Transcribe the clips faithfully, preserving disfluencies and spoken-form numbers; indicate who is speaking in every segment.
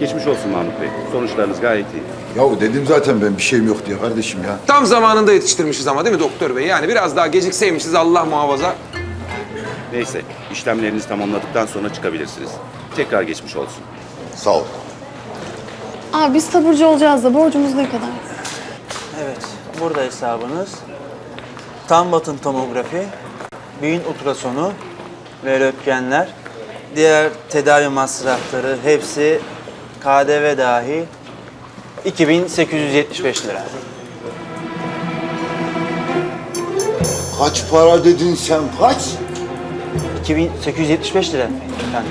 Speaker 1: Geçmiş olsun Mahmut Bey. Sonuçlarınız gayet iyi.
Speaker 2: Ya dedim zaten ben bir şeyim yok diye kardeşim ya.
Speaker 3: Tam zamanında yetiştirmişiz ama değil mi doktor bey? Yani biraz daha gecikseymişiz Allah muhafaza.
Speaker 1: Neyse, işlemlerinizi tamamladıktan sonra çıkabilirsiniz. Tekrar geçmiş olsun.
Speaker 2: Sağ ol.
Speaker 4: Abi biz taburcu olacağız da borcumuz ne kadar?
Speaker 5: Evet, burada hesabınız. Tam batın tomografi, beyin ultrasonu ve röntgenler. Diğer tedavi masrafları hepsi K D V dahil iki bin sekiz yüz yetmiş beş lira.
Speaker 2: Kaç para dedin sen kaç?
Speaker 5: iki bin sekiz yüz yetmiş beş lira efendim.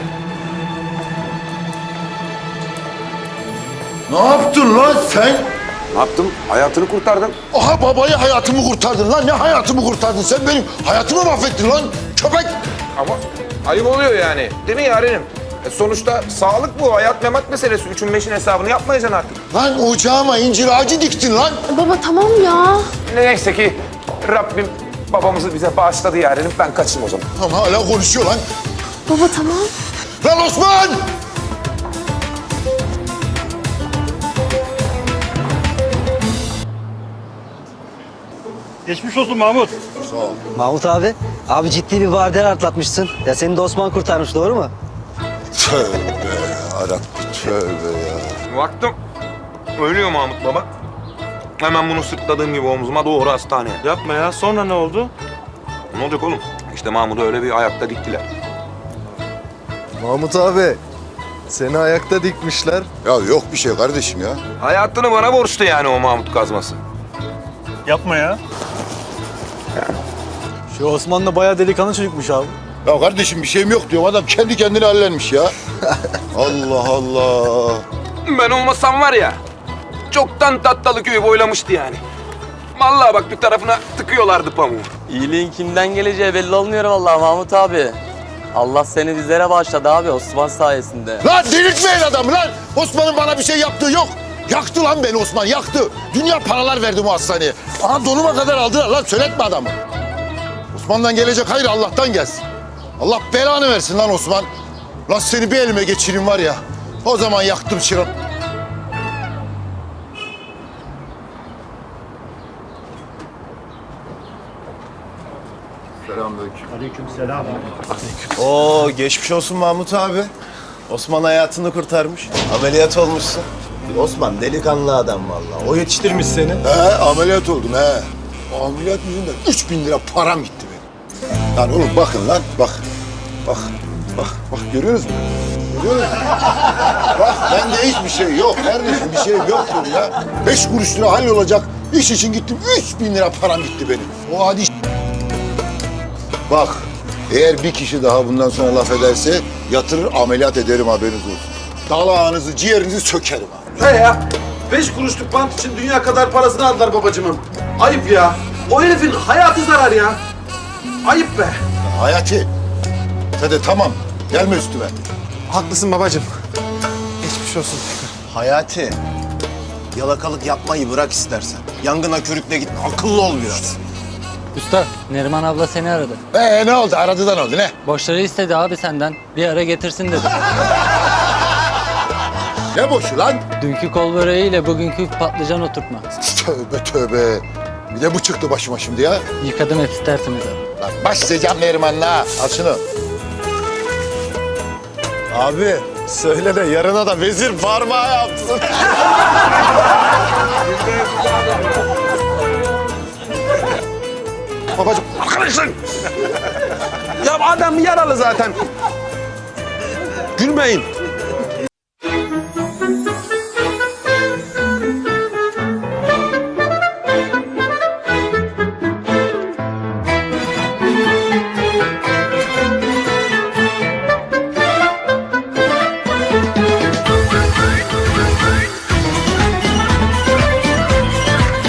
Speaker 2: Ne yaptın lan sen?
Speaker 3: Ne yaptım? Hayatını kurtardım.
Speaker 2: Aha babayı hayatımı kurtardın lan. Ne hayatımı kurtardın? Sen benim hayatımı mahvettin lan. Köpek.
Speaker 3: Ama ayıp oluyor yani. Değil mi yarenim? E sonuçta sağlık bu. Hayat memat meselesi. Üçün beşin hesabını yapmayacaksın artık.
Speaker 2: Lan ocağıma incir ağacı diktin lan.
Speaker 4: Baba tamam ya.
Speaker 3: Neyse ki Rabbim babamızı bize bağışladı yarenim. Ben kaçayım o zaman.
Speaker 2: Ama hala konuşuyor lan.
Speaker 4: Baba tamam.
Speaker 2: Lan Osman!
Speaker 6: Geçmiş olsun Mahmut.
Speaker 2: Sağ ol.
Speaker 7: Mahmut abi, abi ciddi bir vardiyan atlatmışsın. Ya seni de Osman kurtarmış, doğru mu?
Speaker 2: Tövbe yarabbim tövbe ya.
Speaker 3: Baktım. Ölüyor Mahmut baba. Hemen bunu sırtladığım gibi omzuma doğru hastaneye.
Speaker 6: Yapma ya. Sonra ne oldu?
Speaker 3: Ne olacak oğlum? İşte Mahmut'u öyle bir ayakta diktiler.
Speaker 8: Mahmut abi, seni ayakta dikmişler.
Speaker 2: Ya yok bir şey kardeşim ya.
Speaker 3: Hayatını bana borçlu yani o Mahmut kazması.
Speaker 6: Yapma ya.
Speaker 8: Şu Osman da bayağı delikanlı çocukmuş abi.
Speaker 2: Ya kardeşim bir şeyim yok diyorum. Adam kendi kendine hallenmiş ya. Allah Allah.
Speaker 3: Ben olmasam var ya, çoktan Tatlılı köyü boylamıştı yani. Vallahi bak bir tarafına tıkıyorlardı pamuğu.
Speaker 9: İyiliğin kimden geleceği belli olmuyor vallahi Mahmut abi. Allah seni bizlere bağışladı abi Osman sayesinde.
Speaker 2: Lan delirtmeyin adamı lan. Osman'ın bana bir şey yaptığı yok. Yaktı lan beni Osman, yaktı. Dünya paralar verdi bu hastaneye. Aha donuma kadar aldılar lan, söyletme adamı. Osman'dan gelecek hayır Allah'tan gelsin. Allah belanı versin lan Osman. Lan seni bir elime geçireyim var ya. O zaman yaktım çırak. Selamünaleyküm.
Speaker 6: Aleykümselam.
Speaker 8: Oo, geçmiş olsun Mahmut abi. Osman hayatını kurtarmış. Ameliyat olmuşsun. Osman delikanlı adam vallahi. O yetiştirmiş seni.
Speaker 2: He ameliyat oldum he. O ameliyat yüzünden üç bin lira param gitti benim. Lan oğlum bakın lan bak. Bak bak bak görüyorsunuz mu? Görüyor musunuz? Bak bende hiçbir şey yok kardeşim, bir şey yok diyorum ya. Beş kuruş lira hallolacak iş için gittim, üç bin lira param gitti benim. O adi Bak eğer bir kişi daha bundan sonra laf ederse yatırır ameliyat ederim, haberiniz olsun. Dalağınızı ciğerinizi sökerim abi.
Speaker 10: He ya, beş kuruşluk bant için dünya kadar parasını aldılar babacığımın. Ayıp ya. O herifin hayatı zarar ya. Ayıp be.
Speaker 2: Hayati. Hadi tamam. Gelme üstüme.
Speaker 8: Haklısın babacığım. Geçmiş olsun. Hayati, yalakalık yapmayı bırak istersen. Yangına körükle gitme. Akıllı ol biraz.
Speaker 9: Usta Neriman abla seni aradı.
Speaker 2: Ee ne oldu? Aradı da ne oldu ne?
Speaker 9: Borçları istedi abi senden. Bir ara getirsin dedi.
Speaker 2: Ne boşu lan?
Speaker 9: Dünkü kol böreğiyle bugünkü patlıcan oturtma.
Speaker 2: Tövbe tövbe. Bir de bu çıktı başıma şimdi ya.
Speaker 9: Yıkadım hep isterseniz abi.
Speaker 2: Lan başlayacağım Neriman'la. Al şunu.
Speaker 8: Abi, söyle de yarına da vezir parmağı yapsın.
Speaker 2: Babacığım.
Speaker 10: Arkadaşlar. Ya adam yaralı zaten. Gülmeyin.